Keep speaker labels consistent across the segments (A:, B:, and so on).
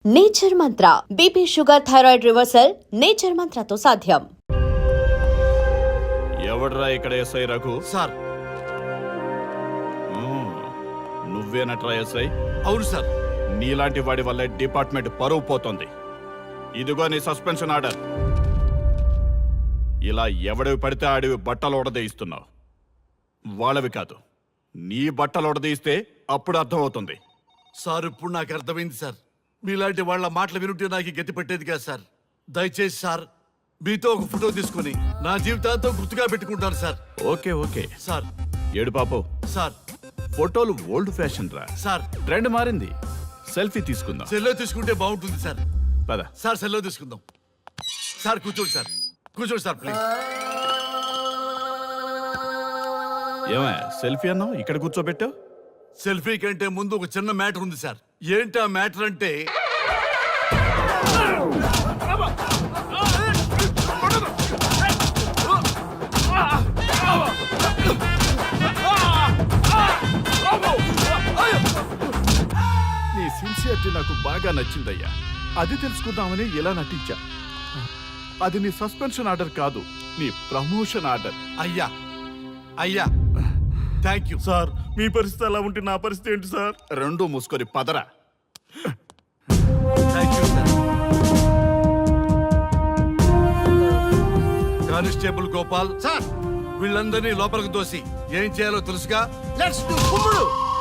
A: Nature mantra BP sugar thyroid reversal nature మంత్రతో సాధ్యం.
B: ఎవడ్రా ఇక్కడ ఎస్ఐ రఘు?
C: సార్.
B: నువ్వేనట్రా ఎస్ఐ?
C: అవును సార్.
B: నీలాంటి వాడి వల్ల డిపార్ట్మెంట్ పరువు పోతుంది. ఇదిగో నీ సస్పెన్షన్ ఆర్డర్. ఇలా ఎవడివి పడితే ఆడివి బట్టలు ఉడదీయిస్తున్నావు. వాళ్ళవి కాదు, నీ బట్టలు ఉడదీయిస్తే అప్పుడు అర్థమవుతుంది.
C: సార్ ఇప్పుడు నాకు అర్థమైంది సార్. మీలాంటి వాళ్ళ మాటలు వినుంటే నాకు గతి పెట్టేది కాదు సార్. దయచేసి సార్ మీతో ఒక ఫోటో తీసుకుని నా జీవితాంతో గుర్తుగా పెట్టుకుంటాను సార్.
B: Okay okay
C: sir.
B: ఏడు పాపం
C: సార్.
B: ఫోటోలు ఓల్డ్ ఫ్యాషన్ రా
C: సార్.
B: ట్రెండ్ మారింది. సెల్ఫీ తీసుకుందాం.
C: సెల్లో తీసుకుంటే బాగుంటుంది సార్.
B: పద
C: సార్, సెల్లో తీసుకుందాం. సార్ కూర్చోండి సార్. కూర్చోండి సార్ ప్లీజ్.
B: ఏమా సెల్ఫీ అన్నావు, ఇక్కడ కూర్చోబెట్టావు?
C: సెల్ఫీ కంటే ముందు ఒక చిన్న మ్యాటర్ ఉంది సార్. ఏంటి ఆ మ్యాటర్ అంటే,
B: నీ సిన్సియరిటీ నాకు బాగా నచ్చిందయ్యా. అది తెలుసుకుందామని ఇలా నటించా. అది నీ సస్పెన్షన్ ఆర్డర్ కాదు, నీ ప్రమోషన్ ఆర్డర్.
C: అయ్యా అయ్యా థ్యాంక్ యూ
B: సార్. మీ పరిస్థితి అలా ఉంటే నా పరిస్థితి ఏంటి సార్? రెండు మూసుకొని పదరా.
C: Thank you sir. Constable Gopal sir, వీళ్ళందరినీ లోపలికి తోసి ఏం చేయాలో తెలుసుగా. లెట్స్ డు కుమ్ముడు.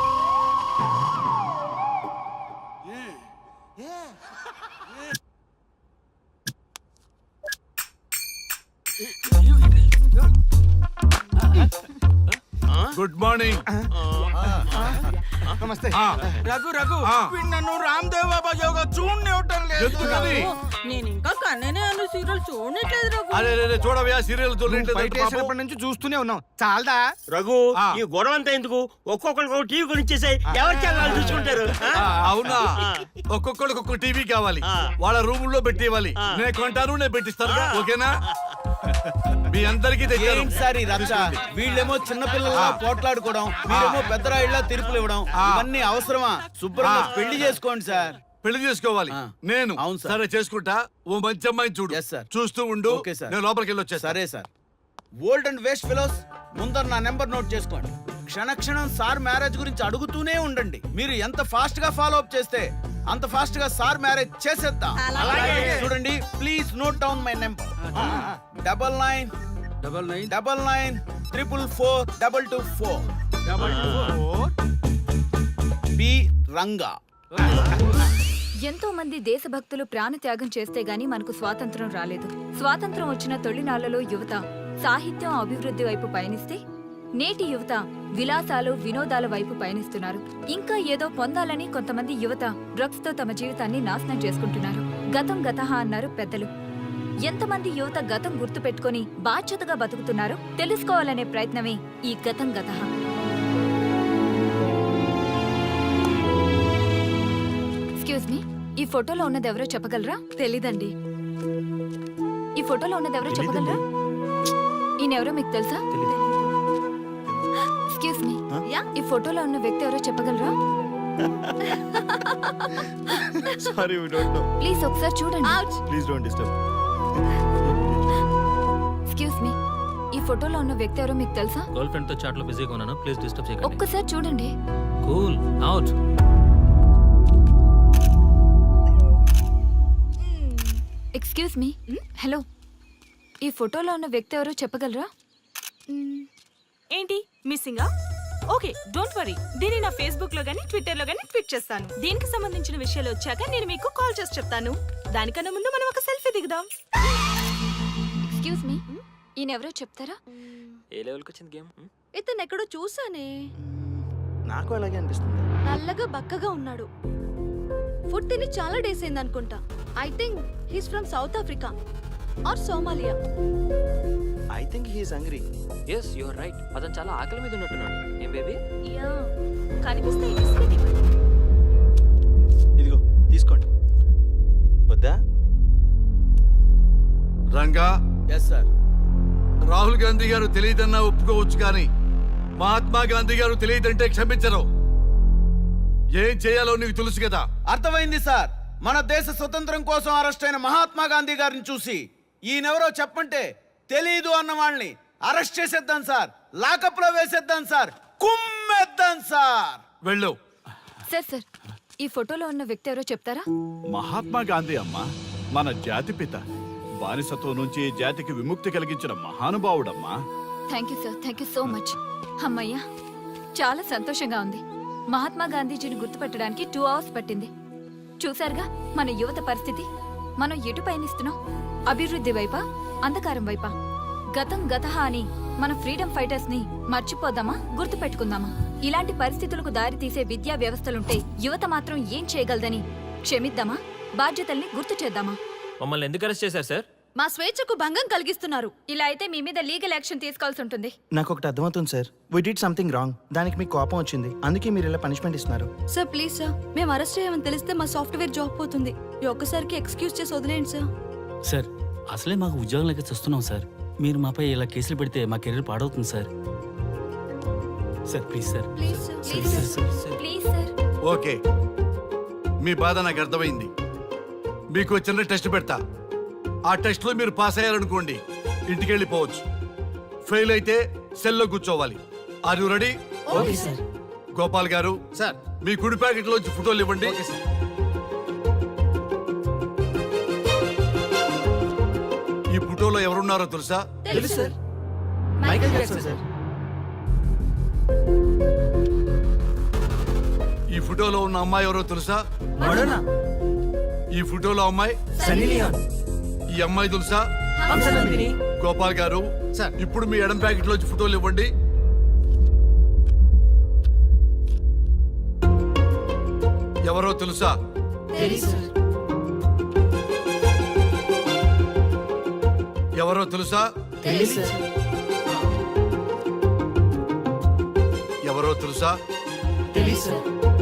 C: Good morning.
D: నమస్తే.
E: రఘు రఘు నన్ను రామ్ దేవ్ బాబా యోగా చూడనివ్వటం లేదు.
C: ఎందుకని?
E: నేను ఇంకా కన్ననే అను సీరియల్ చూడట్లేదు రఘు.
C: అరే చూడవయ్యా, సీరియల్
D: బయటేసినప్పటి నుంచి చూస్తూనే ఉన్నాం. చాలదా
F: రఘు? ఈ గొడవ అంతా ఎందుకు? ఒక్కొక్కరికి టీవీ కొనిచ్చేసాయి, ఎవరి ఛానల్ చూసుకుంటారు.
C: అవునా? ఒక్కొక్కడికి ఒక్కొక్క టీవీ కావాలి, వాళ్ళ రూమ్ లో పెట్టేవాలి. నేను కొంటాను, నేను పెట్టిస్తాను. ఓకేనా? మీ అందరికీ
D: సార్ వీళ్ళేమో చిన్నపిల్లల పోట్లాడుకోవడం, మీరేమో పెద్దరాయిళ్ళ తీర్పులు ఇవ్వడం, ఇవన్నీ అవసరమా? శుభ్రంగా పెళ్లి చేసుకోండి సార్.
C: పెళ్లి చేసుకోవాలి నేను.
D: అవును సార్.
C: సరే చేసుకుంటా. ఓ మంచి అమ్మాయిని చూడు.
D: Yes, sir.
C: చూస్తూ ఉండు.
D: Okay, sir.
C: నేను లోపలికి వెళ్ళి వచ్చేస్తా.
D: సరే sir. Old and waste fellows, ముందర నా నెంబర్ నోట్ చేసుకోండి. క్షణక్షణం సార్ మ్యారేజ్ గురించి అడుగుతూనే ఉండండి. మీరు ఎంత ఫాస్ట్ గా ఫాలో అప్ చేస్తే అంత ఫాస్ట్ గా సార్ మ్యారేజ్ చేసేద్దాం. చూడండి, please note down my number. 9999442224 B Ranga.
G: ఎంతో మంది దేశభక్తులు ప్రాణత్యాగం చేస్తే గాని మనకు స్వాతంత్రం రాలేదు. స్వాతంత్రం వచ్చిన తొలినాళ్లలో యువత సాహిత్యం అభివృద్ధి వైపు పయనిస్తే నేటి యువత విలాసాలు వినోదాల వైపు పయనిస్తున్నారు. ఇంకా ఏదో పొందాలని కొంతమంది యువత డ్రగ్స్ తో తమ జీవితాన్ని నాశనం చేసుకుంటున్నారు. గతం గతహ అన్నారు పెద్దలు. ఎంతమంది యువత గతం గుర్తు పెట్టుకుని బాధ్యతగా బతుకుతున్నారో తెలుసుకోవాలనే ప్రయత్నమే ఈ గతం గతహ. ఎక్స్క్యూజ్ మీ, ఈ ఫోటోలో ఉన్నది ఎవరో చెప్పగలరా? తెలీదండి. ఈ ఫోటోలో ఉన్నది ఎవరో చెప్పగలరా? ఈయనెవరో మీకు తెలుసా? ఎక్స్క్యూజ్ మీ, ఈ ఫోటోలో ఉన్న వ్యక్తి ఎవరో చెప్పగలరా?
B: Sorry, we don't know.
G: Please ఒకసారి చూడండి.
B: Please don't disturb.
G: Excuse me, ఈ ఫోటోలో ఉన్న వ్యక్తి ఎవరో మీకు తెలుసా?
H: గర్ల్ ఫ్రెండ్ తో చాట్ లో బిజీగా ఉన్నాను, ప్లీజ్ డిస్టర్బ్ చేయకండి.
G: ఒక్కసారి చూడండి.
H: Cool out.
G: Excuse me, hello, ఈ ఫోటోలో ఉన్న వ్యక్తి ఎవరో చెప్పగలరా?
I: ఏంటి మిస్సింగా? Okay, don't worry. దీన్ని నా ఫేస్బుక్ లో గానీ ట్విట్టర్ లో గానీ ట్వీట్ చేస్తాను. దీనికి సంబంధించిన విషయాలు వచ్చాక నేను మీకు కాల్ చేసి చెప్తాను. దానికన్నా ముందు మనం ఒక సెల్ఫీ దిగుదాం.
G: ఎక్స్క్యూజ్ మీ, ఈయన ఎవరో చెప్తారా?
H: ఏ లెవెల్కి వచ్చింది గేమ్?
I: ఇతను ఎక్కడో చూసానే.
D: నాకు అలాగే అనిపిస్తుంది.
I: నల్లగా బక్కగా ఉన్నాడు. ఫుడ్ తిని చాలా డేస్ అయింది అనుకుంటా. I think he's from South Africa or Somalia.
D: I think he is hungry.
H: yes you are right. అతను చాలా ఆకలి మీద ఉన్నట్టున్నాడు. ఏం బేబీ?
I: యా, కనిపిస్తే బిస్కెట్ ఇవ్వండి.
D: ఇదిగో తీసుకోండి. వద్దా?
C: రంగా.
D: Yes sir.
C: రాహుల్ గాంధీ గారు తెలియదన్నా ఒప్పుకోవచ్చు, కానీ మహాత్మా గాంధీ గారు తెలియదంటే క్షమించరు. ఏం చేయాలో నీకు తెలుసు కదా.
D: అర్థమైంది సార్. మన దేశ స్వతంత్రం కోసం అరెస్ట్ అయిన మహాత్మా గాంధీ గారిని చూసి ఈయనెవరో చెప్పంటే తెలీదు అన్న వాళ్ళని అరెస్ట్ చేసేద్దాం సార్, లాకప్ లో వేసేద్దాం సార్, కుమ్మేద్దాం సార్.
C: వెళ్ళు.
G: సార్ సార్, ఈ ఫోటోలో ఉన్న వ్యక్తి ఎవరో చెప్తారా?
B: మహాత్మా గాంధీ అమ్మా, మన జాతిపిత. బానిసత్వం నుంచి ఈ జాతికి విముక్తి కలిగించిన మహానుభావుడమ్మా.
G: Thank you sir, thank you so much. అమ్మయ్యా, చాలా సంతోషంగా ఉంది. మహాత్మా గాంధీజీని గుర్తుపెట్టడానికి 2 అవర్స్ పట్టింది. చూసారుగా మన యువత పరిస్థితి. మనం ఎటు పయనిస్తున్నాం? అభివృద్ధి వైపా, అంధకారం వైపా? గతం గతహ అని మన ఫ్రీడమ్ ఫైటర్స్ ని మర్చిపోదామా, గుర్తుపెట్టుకుందామా? ఇలాంటి పరిస్థితులకు దారి తీసే విద్యా వ్యవస్థలుంటే యువత మాత్రం ఏం చేయగలదని క్షమిద్దామా, బాధ్యతల్ని గుర్తు చేద్దామా?
H: మమ్మల్ని ఎందుకు అరెస్ట్ చేశారు సార్?
G: మా స్వేచ్ఛకు భంగం కలిగిస్తున్నారు. ఇలా అయితే మీ మీద లీగల్ యాక్షన్ తీసుకోవాల్సి ఉంటుంది.
E: నాకు ఒకటి అర్థమవుతుంది sir, we did something wrong. దానికి మీకు కోపం వచ్చింది, అందుకే మీరు ఇలా పనిష్మెంట్ ఇస్తున్నారు.
J: సార్ ప్లీజ్ సార్, మేము అరెస్ట్ చేయమని తెలిస్తే మా సాఫ్ట్వేర్ జాబ్ పోతుంది. ఈ ఒక్కసారికి ఎక్స్క్యూజ్ చేసి వదిలేండి సార్.
K: సార్ అసలే మాకు ఉద్యోగం లేక చూస్తున్నాం సార్. మీరు మాపై ఇలా కేసులు పెడితే మా కెరీర్ పాడవుతుంది sir. Sir please sir.
J: Please sir.
G: Please sir, please sir.
C: Okay, మీ బాధ నాకు అర్థమైంది. మీకు చిన్న టెస్ట్ పెడతా. ఆ టెస్ట్ లో మీరు పాస్ అయ్యారనుకోండి, ఇంటికి వెళ్ళిపోవచ్చు. ఫెయిల్ అయితే సెల్లో కూర్చోవాలి. Are you ready?
K: Okay sir.
C: Gopal గారు
D: సార్,
C: మీ కుడి ప్యాకెట్ లోంచి ఫోటోలు ఇవ్వండి. ఈ ఫోటోలో ఎవరున్నారో తెలుసా?
K: తెలుసు సార్, మైకేల్ జాక్సన్ సార్.
C: ఈ ఫోటోలో ఉన్న అమ్మాయి ఎవరో తెలుసా?
K: మడోనా.
C: ఈ ఫోటోలో అమ్మాయి
K: సన్నీ లియోన్.
C: ఈ అమ్మాయి తెలుసా?
K: హంసనందిని.
C: గోపాల్ గారు
D: సార్.
C: ఇప్పుడు మీ ఎడం ప్యాకెట్ లోంచి ఫోటోలు ఇవ్వండి. ఎవరో తెలుసా?
K: తెలుసు సార్.
C: ఎవరో తెలుసా?
K: తెలుసు సార్.
C: ఎవరో తెలుసా?
K: తెలుసు సార్.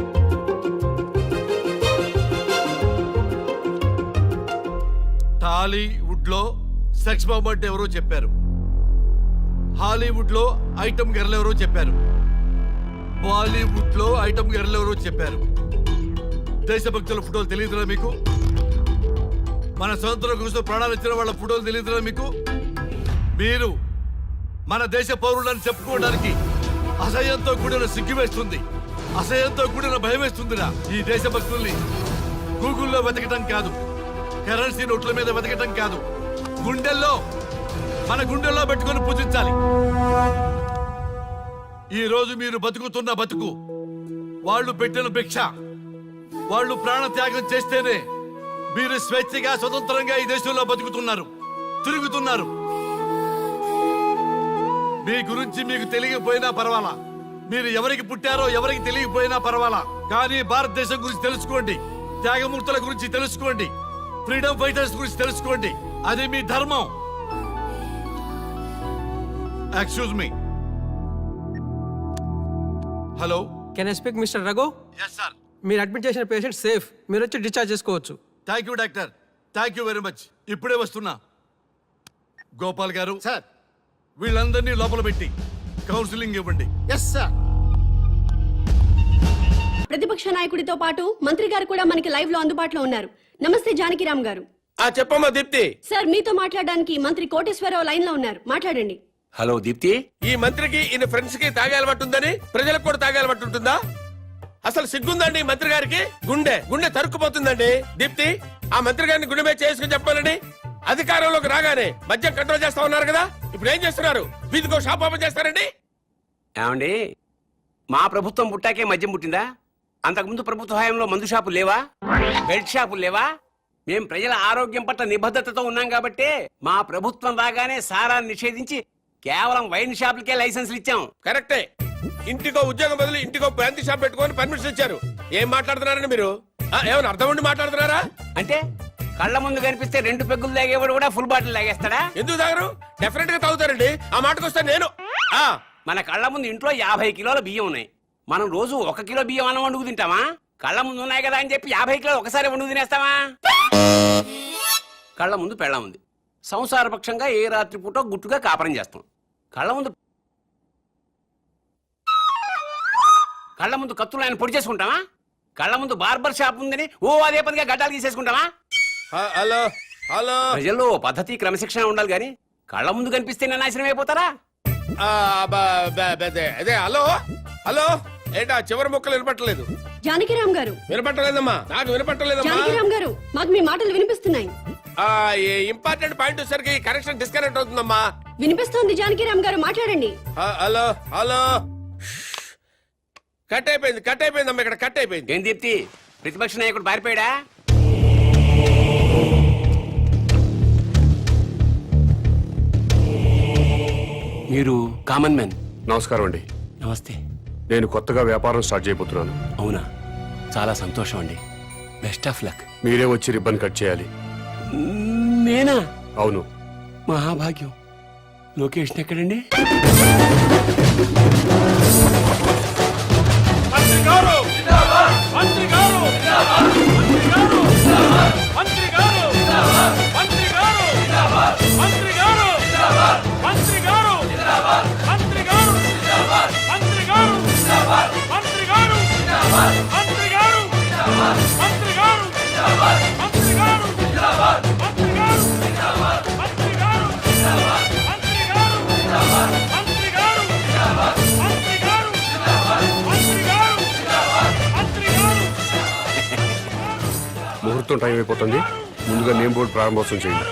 C: టాలీవుడ్ లో సెక్స్ బాంబ్ అంటే ఎవరో చెప్పారు. హాలీవుడ్ లో ఐటమ్ గర్ల్ ఎవరో చెప్పారు. బాలీవుడ్ లో ఐటమ్ గర్ల్ ఎవరో చెప్పారు. దేశభక్తుల ఫోటోలు తెలియదురా మీకు? మన స్వతంత్రం కోసం ప్రాణాలు ఇచ్చిన వాళ్ళ ఫోటోలు తెలియదురా మీకు? మీరు మన దేశ పౌరులని చెప్పుకోవడానికి అసహ్యంతో కూడిన సిగ్గు వేస్తుంది, అసహ్యంతో కూడిన భయం వేస్తుందిరా. ఈ దేశభక్తుల్ని గూగుల్లో వెతకటం కాదు, కరెన్సీ నోట్ల మీద వెతకటం కాదు, గుండెల్లో, మన గుండెల్లో పెట్టుకొని పూజించాలి. ఈ రోజు మీరు బతుకుతున్న బతుకు వాళ్ళు పెట్టిన భిక్ష. వాళ్ళు ప్రాణ త్యాగం చేస్తేనే మీరు స్వేచ్ఛగా స్వతంత్రంగా ఈ దేశంలో బతుకుతున్నారు, తిరుగుతున్నారు. మీ గురించి మీకు తెలియకపోయినా పర్వాలా, మీరు ఎవరికి పుట్టారో ఎవరికి తెలియకపోయినా పర్వాలా, కానీ భారతదేశం గురించి తెలుసుకోండి, త్యాగమూర్తుల గురించి తెలుసుకోండి, ఫ్రీడమ్ ఫైటర్స్ గురించి తెలుసుకోండి. అది మీ ధర్మం. Excuse me. Hello,
E: can I speak mister Raghu?
C: Yes sir.
E: మీరు అడ్మిట్ చేసిన పేషెంట్ సేఫ్, మీరు వచ్చి డిశ్చార్జ్ చేసుకోవచ్చు.
C: Thank you doctor, thank you very much. ఇప్పుడే వస్తున్నా. గోపాల్ గారు
D: సార్.
C: వీళ్ళందరినీ లోపల పెట్టి కౌన్సిలింగ్ ఇవ్వండి.
D: Yes sir.
J: ప్రతిపక్ష నాయకుడితో పాటు మంత్రి గారు కూడా మనకి లైవ్ లో అందుబాటులో ఉన్నారు. నమస్తే జానకిరామ్ గారు.
F: చెప్పమ్మా దీప్తి.
J: సార్ మీతో మాట్లాడడానికి మంత్రి కోటేశ్వరరావు లైన్ లో ఉన్నారు, మాట్లాడండి.
F: హలో దీప్తి. ఈ మంత్రికి ఈయన ఫ్రెండ్స్ కి తాగే అలవాటు ఉందని ప్రజలకు కూడా తాగే అలవాటు ఉంటుందా? అసలు సిగ్గుందండి ఈ మంత్రి గారికి? గుండె గుండె తరుక్కుపోతుందండి. దీప్తి, ఆ మంత్రి గారిని గుండె మీద చేసుకుని చెప్పాలండి. అధికారంలోకి రాగానే మద్యం కంట్రోల్ చేస్తా ఉన్నారు కదా, ఇప్పుడు ఏం చేస్తున్నారు? వీధికో షాప్ ఓపెన్ చేస్తారండి.
L: ఏమండి, మా ప్రభుత్వం పుట్టాకే మద్యం పుట్టిందా? అంతకుముందు ప్రభుత్వ హయాంలో మందు షాపులు లేవా? బెల్ట్ షాపులు లేవా? మేం ప్రజల ఆరోగ్యం పట్ల నిబద్ధతతో ఉన్నాం కాబట్టి మా ప్రభుత్వం రాగానే సారాన్ని నిషేధించి కేవలం వైన్ షాపులకే లైసెన్సులు ఇచ్చాం.
F: కరెక్టే. ఇంటికో ఉద్యోగం బదులు ఇంటికో బ్రాంతి షాప్ పెట్టుకొని పర్మిషన్ ఇచ్చారు. ఏం మాట్లాడుతున్నారండి మీరు? ఏమైనా అర్థం ఉండి మాట్లాడుతున్నారా?
L: అంటే కళ్ళ ముందు కనిపిస్తే 2 పెగ్గులు తాగేవాడు కూడా ఫుల్ బాటిల్ తాగేస్తాడా?
F: ఎందుకు తాగరు? డెఫినెట్ గా తాగుతారండి. ఆ మాటకు వస్తే నేను
L: మన కళ్ళ ముందు ఇంట్లో 50 కిలోల బియ్యం ఉన్నాయి. మనం రోజు 1 కిలో బియ్యం అన్నం వండుకు తింటామా? కళ్ళ ముందు ఉన్నాయి కదా అని చెప్పి 50 కిలోలు ఒకసారి వండుకు తినేస్తామా? కళ్ళ ముందు పెళ్ళం ఉంది, సంసారపక్షంగా ఏ రాత్రి పూట గుట్టుగా కాపురం చేస్తాం. కళ్ళ ముందు కత్తులు ఆయన పొడి చేసుకుంటామా? కళ్ళ ముందు బార్బర్ షాప్ ఉందని ఓ అదే పనిగా గడ్డాలు గీసేసుకుంటావా?
F: హలో హలో
L: ప్రజల్లో ఓ పద్ధతి క్రమశిక్షణ ఉండాలి గాని కళ్ళ ముందు కనిపిస్తే నాశనం అయిపోతారా?
F: అదే హలో హలో ఏంటా చివరి మొక్కలు వినపట్టలేదు?
J: జానకిరామ్ గారు,
F: వినపట్టలేదమ్మా, నాకు వినపట్టలేదమ్మా.
J: జానకిరామ్ గారు, మాకు మీ మాటలు వినిపిస్తున్నాయి.
F: ఇంపార్టెంట్ పాయింట్ వచ్చేసరికి కనెక్షన్ డిస్కనెక్ట్ అవుతుందమ్మా.
J: వినిపిస్తోంది జానకిరామ్ గారు, మాట్లాడండి.
F: హలో హలో కట్ అయిపోయిందమ్మా, ఇక్కడ కట్ అయిపోయింది.
L: ఏం దీప్తి, ప్రతిపక్ష నాయకుడు పారిపోయాడా? మీరు కామన్ మ్యాన్.
M: నమస్కారం అండి.
L: నమస్తే.
M: నేను కొత్తగా వ్యాపారం స్టార్ట్ చేయబోతున్నాను.
L: అవునా, చాలా సంతోషం అండి. Best of luck.
M: మీరే వచ్చి రిబ్బన్ కట్ చేయాలి.
L: నేనా?
M: అవును.
L: మహాభాగ్యం. లొకేషన్ ఎక్కడండి?
M: ముహూర్తం టైం అయిపోతుంది. ముందుగా నేమ్ బోర్డు ప్రారంభోత్సవం చేయండి.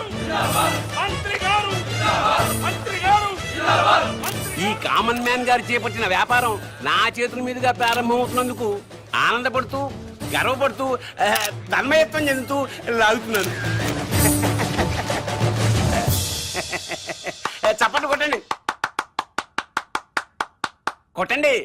L: ఈ కామన్ మ్యాన్ గారు చేపట్టిన వ్యాపారం నా చేతుల మీదుగా ప్రారంభమవుతున్నందుకు ఆనందపడుతూ గర్వపడుతూ తన్మయత్వం చెందుతూ లాగుతున్నాను. చప్పట్లు కొట్టండి, కొట్టండి.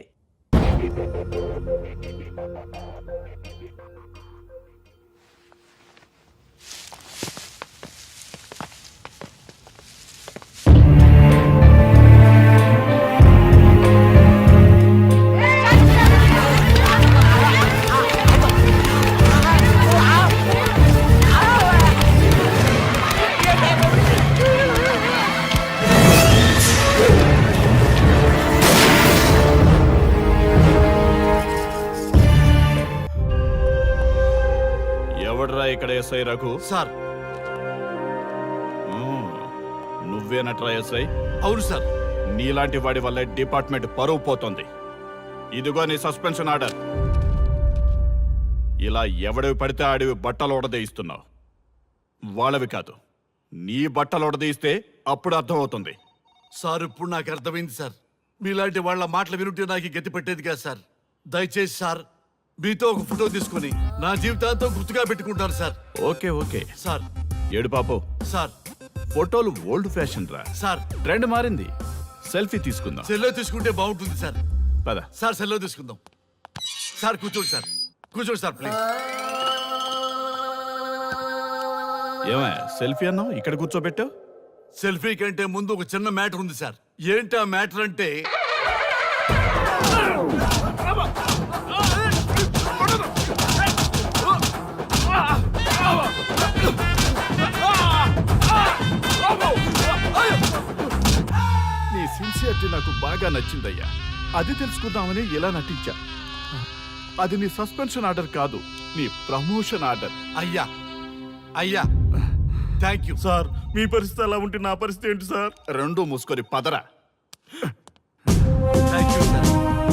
B: ఎవడ్రా ఇక్కడ ఎస్ఐ రఘు?
C: సార్.
B: నువ్వేనట్రా ఎస్ఐ?
C: అవును సార్.
B: నీలాంటి వాడి వల్ల డిపార్ట్మెంట్ పరువు పోతుంది. ఇదిగో నీ సస్పెన్షన్ ఆర్డర్. ఇలా ఎవడివి పడితే ఆడివి బట్టలు ఉడదీయిస్తున్నావు. వాళ్ళవి కాదు, నీ బట్టలు ఉడదీయిస్తే అప్పుడు అర్థమవుతుంది.
C: సార్, ఇప్పుడు నాకు అర్థమైంది సార్. మీలాంటి వాళ్ళ మాటలు వినుంటే నాకు గతి పెట్టేది కాదు సార్. దయచేసి సార్, మీతో ఒక ఫోటో తీసుకుని నా జీవితాంతో గుర్తుగా పెట్టుకుంటాను సార్.
B: Okay okay
C: sir.
B: ఏడు పాపు
C: సార్.
B: ఫోటోలు ఓల్డ్ ఫ్యాషన్ రా
C: సార్.
B: ట్రెండ్ మారింది. సెల్ఫీ తీసుకుందాం.
C: సెల్లో తీసుకుంటే బాగుంటుంది సార్.
B: పద
C: సార్, సెల్లో తీసుకుందాం. సార్ కూర్చోండి సార్, కూర్చోండి సార్ ప్లీజ్.
B: ఏమయ్య సెల్ఫీ అన్నావు, ఇక్కడ కూర్చోబెట్టావు?
C: సెల్ఫీ కంటే ముందు ఒక చిన్న మ్యాటర్ ఉంది సార్. ఏంటి ఆ మ్యాటర్ అంటే,
B: నీ సిన్సియారిటీ నాకు బాగా నచ్చిందయ్యా. అది తెలుసుకుందామని ఇలా నటించా. అది నీ సస్పెన్షన్ ఆర్డర్ కాదు, నీ ప్రమోషన్ ఆర్డర్.
C: అయ్యా అయ్యా థ్యాంక్ యూ
B: సార్. మీ పరిస్థితి అలా ఉంటే నా పరిస్థితి ఏంటి సార్? రెండు మూసుకొని పదరా.
C: Thank you sir.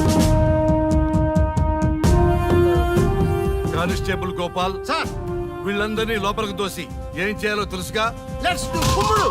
C: Constable Gopal sir, వీళ్ళందరినీ లోపలికి దోసి ఏం చేయాలో తెలుసుగా. లెట్స్ డు కుమ్ముడు.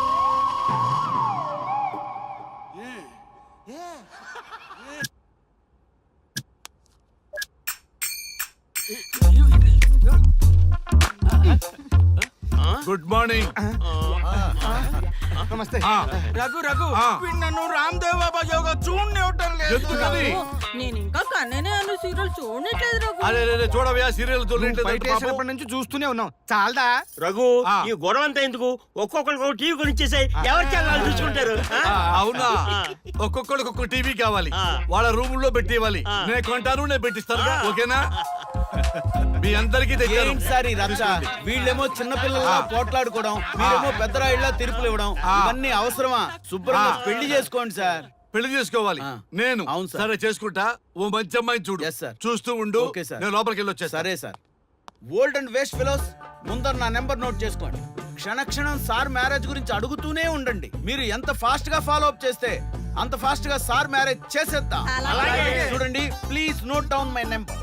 C: Good morning.
E: నమస్తే.
D: రఘు రఘు నన్ను రామ్దేవ్ బాబా యోగా చూడనివ్వటం లేదు.
C: ఎందుకని?
I: నేను ఇంకా కన్ననే అను సీరియల్ చూడట్లేదు రఘు.
C: అరే చూడవయ్యా, సీరియల్
E: బయట నుంచి చూస్తూనే ఉన్నాం. చాలదా?
D: రఘు, ఈ గొడవ అంతా ఎందుకు? ఒక్కొక్కరికి టీవీ కొనిచ్చేసాయి, ఎవరి ఛానల్ చూసుకుంటారు.
C: అవునా? ఒక్కొక్కడికి ఒక్క టీవీ కావాలి, వాళ్ళ రూమ్ లో పెట్టి ఇవ్వాలి. నేను కొంటాను, నేను పెట్టిస్తాను. ఓకేనా? మీ అందరికీ తెచ్చాను.
D: సారీ రచ్చ, వీళ్ళేమో చిన్నపిల్లల పోట్లాడుకోవడం, మీరేమో పెద్దరాయిళ్ళ తీర్పులు ఇవ్వడం, ఇవన్నీ అవసరమా? శుభ్రంగా పెళ్లి చేసుకోండి సార్.
C: పెళ్లి చేసుకోవాలి
D: ఆ.
C: నేను
D: అవును సార్.
C: సరే చేసుకుంటా. ఓ మంచి అమ్మాయిని చూడు.
D: Yes, sir.
C: చూస్తూ ఉండు.
D: Okay, sir.
C: నేను లోపలికి వెళ్ళి వచ్చేస్తా.
D: సరే sir. Old and waste fellows, ముందర నా నెంబర్ నోట్ చేసుకోండి. క్షణక్షణం సార్ మ్యారేజ్ గురించి అడుగుతూనే ఉండండి. మీరు ఎంత ఫాస్ట్ గా ఫాలో అప్ చేస్తే అంత ఫాస్ట్ గా సార్ మ్యారేజ్ చేసేద్దాం. చూడండి, please note down my number.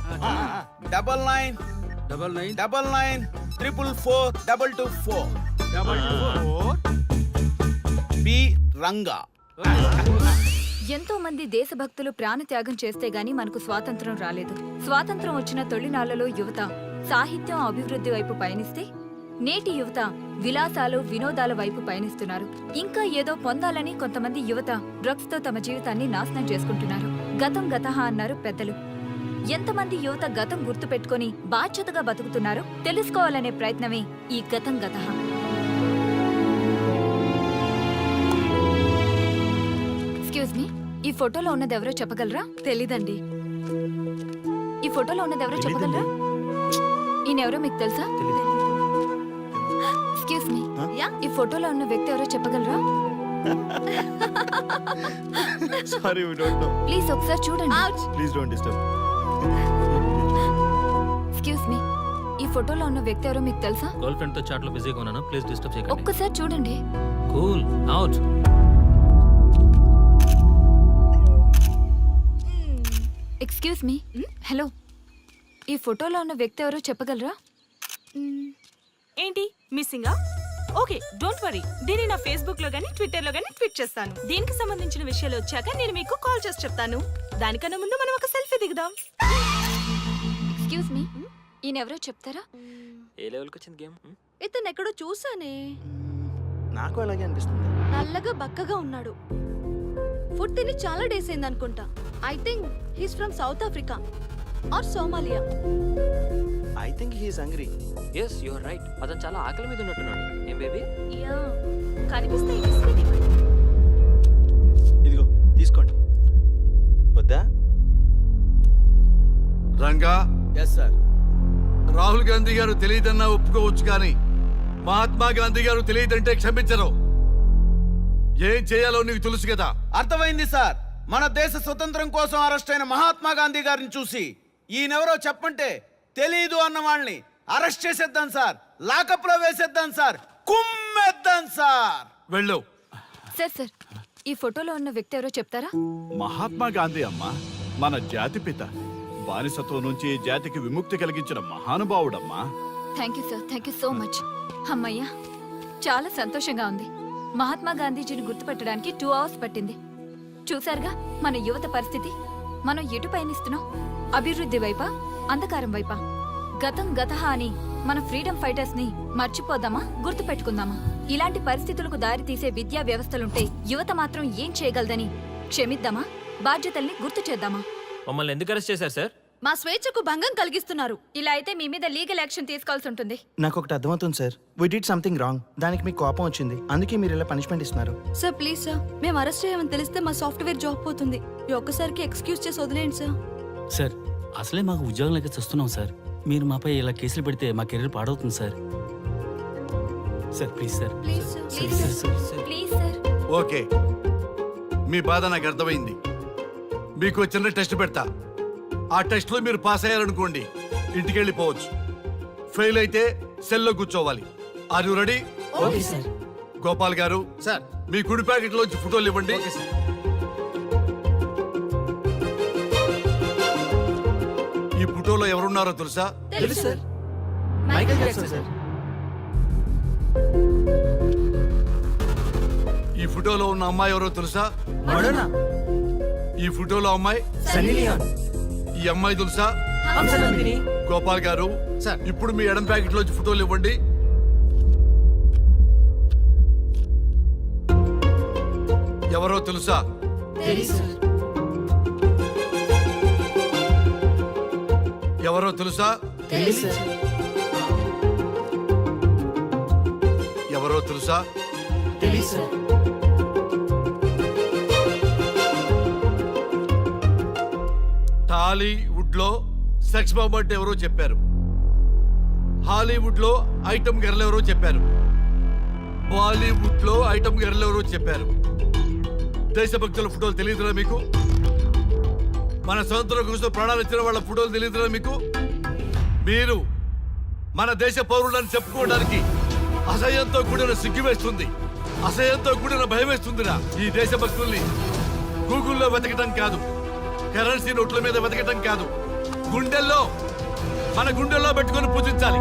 D: 9999442224. P Ranga.
G: ఎంతో మంది దేశభక్తులు ప్రాణత్యాగం చేస్తే గాని మనకు స్వాతంత్రం రాలేదు. స్వాతంత్రం వచ్చిన తొలినాళ్లలో యువత సాహిత్యం అభివృద్ధి వైపు పయనిస్తే నేటి యువత విలాసాలు వినోదాల వైపు పయనిస్తున్నారు. ఇంకా ఏదో పొందాలని కొంతమంది యువత డ్రగ్స్ తో తమ జీవితాన్ని నాశనం చేసుకుంటున్నారు. గతం గతహ అన్నారు పెద్దలు. ఎంతమంది యువత గతం గుర్తు పెట్టుకుని బాధ్యతగా బతుకుతున్నారో తెలుసుకోవాలనే ప్రయత్నమే ఈ గతం గతహ. ఎక్స్క్యూజ్ మీ, ఈ ఫోటోలో ఉన్నది ఎవరో చెప్పగలరా?
J: తెలీదండి.
G: ఈ ఫోటోలో ఉన్నది ఎవరో చెప్పగలరా? ఈయనెవరో మీకు తెలుసా? ఎక్స్క్యూజ్ మీ, ఈ ఫోటోలో ఉన్న వ్యక్తి ఎవరో చెప్పగలరా?
E: Sorry, we don't know.
G: Please ఒకసారి చూడండి.
E: Please don't disturb.
G: Excuse me, ఈ ఫోటోలో ఉన్న వ్యక్తి ఎవరో మీకు తెలుసా?
K: గర్ల్ ఫ్రెండ్ తో చాట్ లో బిజీగా ఉన్నాను, ప్లీజ్ డిస్టర్బ్ చేయకండి.
G: ఒక్కసారి చూడండి.
K: Cool out.
G: Excuse me, hello, ఈ ఫోటోలో ఉన్న వ్యక్తి ఎవరో చెప్పగలరా?
I: ఏంటి మిస్సింగా? ఓకే, డోంట్ వరీ, దీన్ని నా ఫేస్బుక్ లో గానీ ట్విట్టర్ లో గానీ ట్వీట్ చేస్తాను. దీనికి సంబంధించిన విషయాలు వచ్చాక నేను మీకు కాల్ చేసి చెప్తాను. దానికన్నా ముందు మనం ఒక సెల్ఫీ దిగుదాం.
G: ఎక్స్క్యూజ్ మీ, ఈయన ఎవరో చెప్తారా?
H: ఏ లెవెల్కి వచ్చింది గేమ్?
J: ఇతను ఎక్కడో చూసానే.
E: నాకు అలాగే అనిపిస్తుంది.
J: నల్లగా బక్కగా ఉన్నాడు. ఫుడ్ తిని చాలా డేస్ అయింది అనుకుంటా. I think he's from South Africa or Somalia.
E: I think he's hungry.
H: Yes you are right. అతను చాలా ఆకలి మీద ఉన్నట్టున్నాడు. ఏం బేబీ?
I: యా, కనిపిస్తే ఈ బిస్కెట్ ఇవ్వండి.
E: ఇదిగో తీసుకోండి. వద్దా?
C: Ranga,
D: yes sir.
C: రాహుల్ గాంధీ గారు తెలియదన్నా ఒప్పుకోవచ్చు, కానీ మహాత్మా గాంధీ గారు తెలియదంటే క్షమించరు. ఏం చేయాలో నీకు తెలుసు కదా.
D: అర్థమైంది సార్. మన దేశ స్వతంత్రం కోసం అరెస్ట్ అయిన మహాత్మా గాంధీ గారిని చూసి ఈయనెవరో చెప్పంటే తెలీదు అన్న వాళ్ళని అరెస్ట్ చేసేద్దాం సార్. లాకప్ లో వేసేద్దాం సార్. కుమ్మేద్దాం సార్.
C: వెళ్ళు.
G: సార్ సార్, ఈ ఫోటోలో ఉన్న వ్యక్తి ఎవరో చెప్తారా?
B: మహాత్మా గాంధీ అమ్మ మన జాతిపిత. బానిసత్వం నుంచి జాతికి విముక్తి కలిగించిన మహానుభావుడమ్మా.
G: Thank you sir, thank you so much. అమ్మయ్యా, చాలా సంతోషంగా ఉంది. మహాత్మా గాంధీజీని గుర్తుపెట్టడానికి 2 hours పట్టింది. చూసారుగా మన యువత పరిస్థితి. మనం ఎటు పయనిస్తున్నాం? అభివృద్ధి వైపా, అంధకారం వైపా? గతం గతహ అని మన ఫ్రీడమ్ ఫైటర్స్ ని మర్చిపోదామా, గుర్తు పెట్టుకుందామా? ఇలాంటి పరిస్థితులకు దారి తీసే విద్యా వ్యవస్థలుంటే యువత మాత్రం ఏం చేయగలదని క్షమిద్దామా, బాధ్యతల్ని గుర్తు చేద్దామా?
H: మమ్మల్ని ఎందుకు అరెస్ట్ చేశారు సార్?
J: మా స్వేచ్ఛకు భంగం కలిగిస్తున్నారు.
G: ఇలా అయితే మీ మీద లీగల్ యాక్షన్ తీసుకోవాల్సి ఉంటుంది.
E: నాకు ఒకటి అర్థమవుతుంది sir. We did something wrong. దానికి మీకు కోపం వచ్చింది, అందుకే మీరు ఇలా పనిష్మెంట్ ఇస్తున్నారు.
J: సార్ ప్లీజ్ సార్, మేము అరెస్ట్ చేయమని తెలిస్తే మా సాఫ్ట్వేర్ జాబ్ పోతుంది. ఈ ఒక్కసారికి ఎక్స్క్యూజ్ చేసి వదిలేండి సార్.
K: సార్ అసలే మాకు ఉద్యోగం లేక చూస్తున్నాం సార్. మీరు మాపై ఇలా కేసులు పెడితే మా కెరీర్ పాడవుతుంది sir. Sir please sir.
J: Please sir.
G: Please sir, please sir.
C: Okay, మీ బాధ నాకు అర్థమైంది. మీకు చిన్న టెస్ట్ పెడతా. ఆ టెస్ట్ లో మీరు పాస్ అయ్యారనుకోండి, ఇంటికి వెళ్ళిపోవచ్చు. ఫెయిల్ అయితే సెల్లో కూర్చోవాలి. Are you ready?
J: Okay sir.
C: Gopal గారు
D: సార్.
C: మీ కుడి ప్యాకెట్ లోంచి ఫోటోలు ఇవ్వండి. ఈ ఫోటోలో ఎవరున్నారో తెలుసా?
J: తెలుసు సార్.
E: Michael Jackson sir.
C: ఈ ఫోటోలో ఉన్న అమ్మాయి ఎవరో తెలుసా?
E: మడోనా.
C: ఈ ఫోటోలో అమ్మాయి
E: సన్నీ లియోన్.
C: ఈ అమ్మాయి తెలుసా?
E: హంసనందిని.
C: గోపాల్ గారు
D: సార్.
C: ఇప్పుడు మీ ఎడం ప్యాకెట్ లోంచి ఫోటోలు ఇవ్వండి. ఎవరో తెలుసా?
J: తెలుసు సార్.
C: ఎవరో తెలుసా?
J: తెలుసు సార్.
C: ఎవరో తెలుసా?
J: తెలుసు సార్.
C: టాలీవుడ్ లో సెక్స్ బాంబ్ అంటే ఎవరో చెప్పారు. హాలీవుడ్ లో ఐటమ్ గర్ల్ ఎవరో చెప్పారు. బాలీవుడ్ లో ఐటమ్ గర్ల్ ఎవరో చెప్పారు. దేశభక్తుల ఫోటోలు తెలియదురా మీకు? మన స్వతంత్రం కోసం ప్రాణాలు ఇచ్చిన వాళ్ళ ఫోటోలు తెలియదురా మీకు? మీరు మన దేశ పౌరులని చెప్పుకోవడానికి అసహ్యంతో కూడిన సిగ్గు వేస్తుంది, అసహ్యంతో కూడిన భయం వేస్తుందిరా. ఈ దేశభక్తుల్ని గూగుల్లో వెతకటం కాదు, కరెన్సీ నోట్ల మీద వెతకటం కాదు, మన గుండెల్లో పెట్టుకొని పూజించాలి.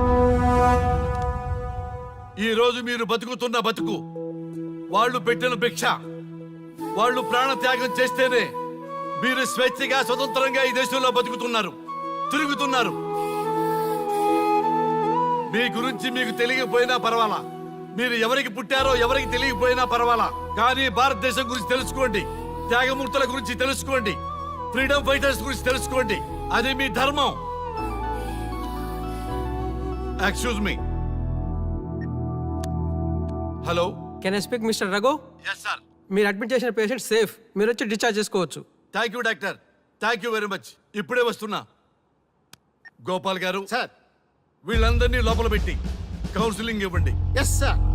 C: ఈ రోజు మీరు బతుకుతున్న బతుకు వాళ్ళు పెట్టిన భిక్ష. వాళ్ళు ప్రాణ త్యాగం చేస్తేనే మీరు స్వేచ్ఛగా స్వతంత్రంగా ఈ దేశంలో బతుకుతున్నారు, తిరుగుతున్నారు. మీ గురించి మీకు తెలియకపోయినా పర్వాలా, మీరు ఎవరికి పుట్టారో ఎవరికి తెలియకపోయినా పర్వాలా, కానీ భారతదేశం గురించి తెలుసుకోండి, త్యాగమూర్తుల గురించి తెలుసుకోండి, ఫ్రీడమ్ ఫైటర్స్ గురించి తెలుసుకోండి. అది మీ ధర్మం. Excuse me. Hello,
N: can I speak mister Raghu?
C: Yes sir.
N: మీరు అడ్మిట్ చేసిన పేషెంట్ సేఫ్, మీరు వచ్చి డిశ్చార్జ్ చేసుకోవచ్చు.
C: Thank you doctor, thank you very much. ఇప్పుడే వస్తున్నా. గోపాల్ గారు,
E: సార్.
C: వీళ్ళందరినీ లోపల పెట్టి కౌన్సిలింగ్ ఇవ్వండి.
E: Yes sir.